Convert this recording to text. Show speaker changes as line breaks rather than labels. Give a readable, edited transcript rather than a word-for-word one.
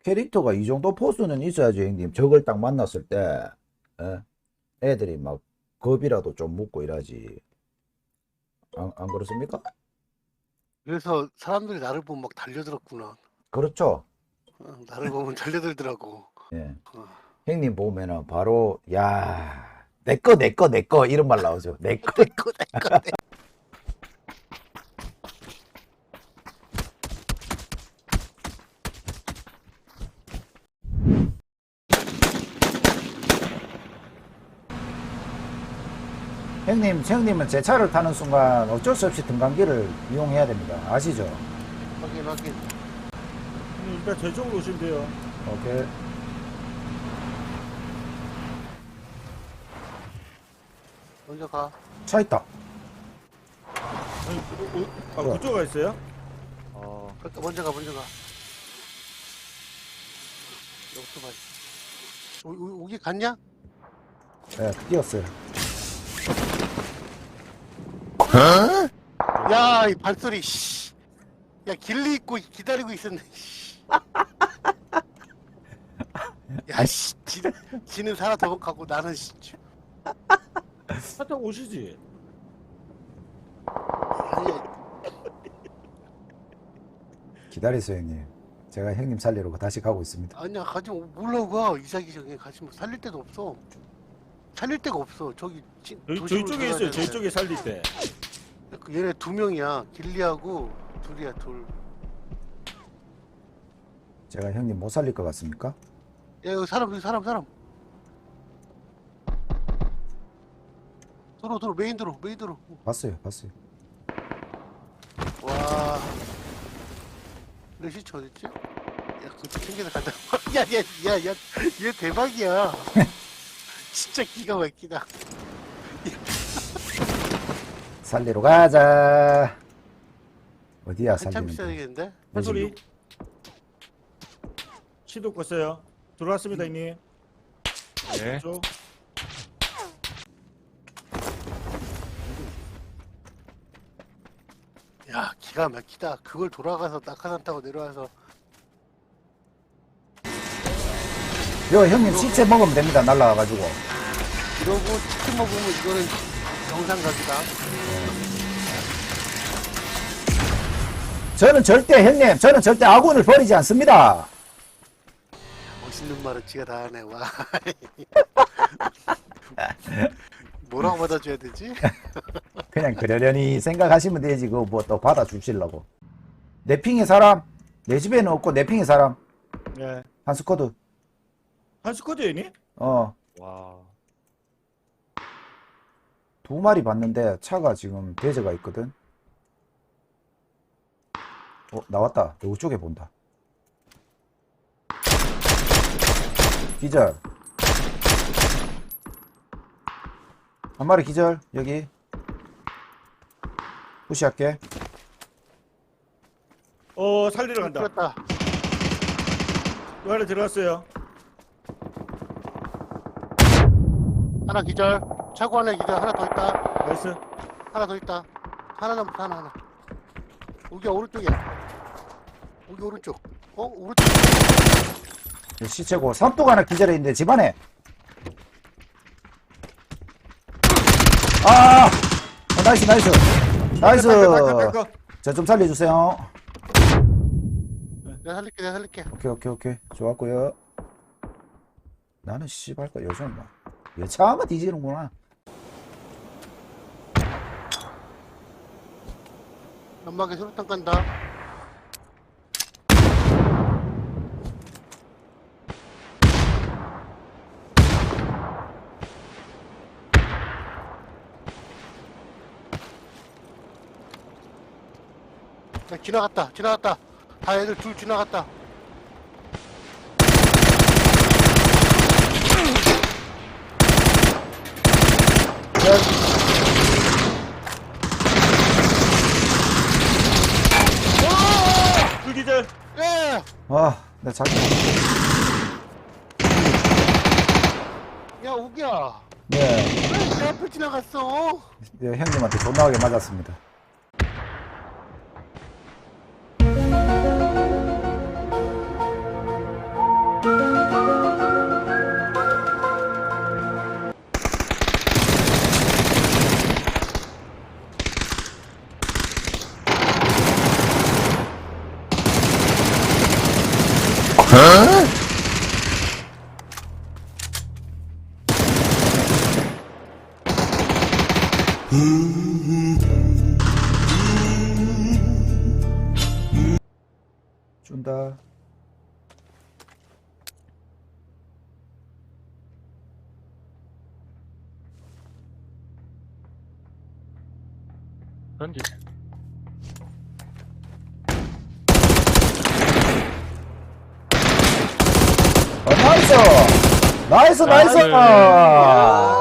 캐릭터가 이 정도 포스는 있어야지, 형님. 적을 딱 만났을 때, 예? 애들이 막 겁이라도 좀 먹고 이러지. 안 그렇습니까?
그래서 사람들이 나를 보면 막 달려들었구나.
그렇죠.
나를 보면 달려들더라고.
예.
어.
형님 보면은 바로, 야, 내꺼, 이런 말 나오죠. 내꺼.
내꺼.
형님은 제 차를 타는 순간 어쩔 수 없이 등간기를 이용해야 됩니다. 아시죠?
확인.
일단 저쪽으로 오시면 돼요.
오케이.
먼저 가.
차 있다.
아니, 그쪽가 있어요?
그러니까 먼저 가. 여기서 봐. 오기 갔냐?
예, 뛰었어요.
야, 이 발소리. 씨. 야, 길리 있고 기다리고 있었네. 씨. 야, 씨. 지는 살아 도망가고 나는 씨.
살짝 오시지.
아니,
기다리세요, 형님. 제가 형님 살리러 다시 가고 있습니다.
아니야, 가지 마. 몰라 가. 이사기 전에 가지 마. 살릴 데도 없어. 살릴 데가 없어. 저기
저희 쪽에 있어요. 저희 쪽에 살릴 때.
얘네 두 명이야. 길리하고 둘이야, 둘.
제가 형님 못 살릴 것 같습니까?
야, 여기 사람. 도로, 메인 도로.
봤어요.
와. 내 시체 어딨지? 야, 그것도 챙겨서 가자. 야, 얘 대박이야. 진짜 기가 막히다.
살리러 가자. 어디야,
한참
살리는
있어야
데?
되겠는데?
한 소리. 시도 껐어요. 들어왔습니다, 이님.
네.
쪽.
야, 기가 막히다. 그걸 돌아가서 낙하산 타고 내려와서.
요, 형님 시체 먹으면 됩니다. 날라와가지고.
이러고 치킨 먹으면 이거는 정상각이다.
저는 절대 아군을 버리지 않습니다.
멋있는 말을 지가 다 하네. 와. 뭐라고 받아줘야 되지?
그냥 그러려니 생각하시면 되지. 그거 뭐 또 받아주시려고. 내 핑의 사람, 내 집에는 없고 내 핑의 사람,
네.
한 스쿼드.
한 스쿼드에 이니?
와. 두 마리 봤는데 차가 지금 대저가 있거든. 나왔다. 이쪽에 본다. 기절. 한 마리 기절. 여기. 푸시할게.
살리러 간다.
그렇다.
또 안에 들어갔어요.
하나 기절. 차고 하나 기절. 하나 더 있다.
나이스.
하나 더 있다. 하나 남았다. 하나. 여기야, 오른쪽이야. 여기 오른쪽. 오른쪽.
시체고. 삼뚝 하나 기절해 있는데 집안에. 나이스. 저 좀 살려주세요.
내가 살릴게.
오케이. 좋았고요. 나는 씨발까 요즘 막 여차하면 뒤지는구나.
연막에 수류탄 간다. 야, 지나갔다. 다 애들 둘 지나갔다.
불기절.
예!
나 자꾸.
야, 오기야.
네,
왜 내 앞을 지나갔어?
형님한테 존나게 맞았습니다. 준다.
던지.
나이스! 나이스, 나이스!
나이스.
아.